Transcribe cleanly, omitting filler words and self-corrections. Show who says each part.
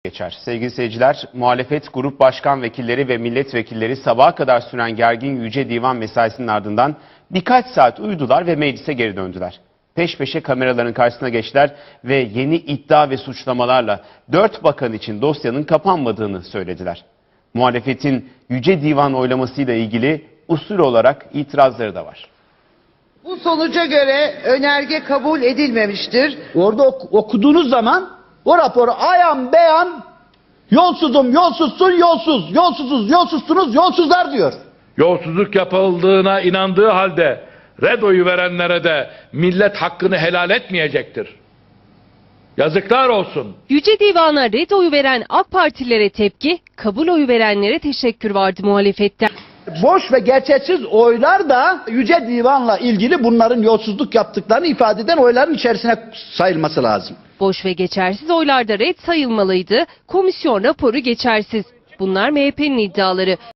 Speaker 1: Geçer. Sevgili seyirciler, muhalefet grup başkan vekilleri ve milletvekilleri sabaha kadar süren gergin Yüce Divan mesaisinin ardından birkaç saat uyudular ve meclise geri döndüler. Peş peşe kameraların karşısına geçtiler ve yeni iddia ve suçlamalarla 4 bakan için dosyanın kapanmadığını söylediler. Muhalefetin Yüce Divan oylamasıyla ilgili usul olarak itirazları da var.
Speaker 2: Bu sonuca göre önerge kabul edilmemiştir.
Speaker 3: Orada okuduğunuz zaman o raporu ayan beyan yolsuzum, yolsuzsun, yolsuz, yolsuzuz, yolsuzsunuz, yolsuzlar diyor.
Speaker 4: Yolsuzluk yapıldığına inandığı halde red oyu verenlere de millet hakkını helal etmeyecektir. Yazıklar olsun.
Speaker 5: Yüce Divan'a red oyu veren AK Partililere tepki, kabul oyu verenlere teşekkür vardı muhalefetten.
Speaker 3: Boş ve gerçeksiz oylar da Yüce Divan'la ilgili bunların yolsuzluk yaptıklarını ifade eden oyların içerisine sayılması lazım.
Speaker 5: Boş ve geçersiz oylarda red sayılmalıydı, komisyon raporu geçersiz. Bunlar MHP'nin iddiaları.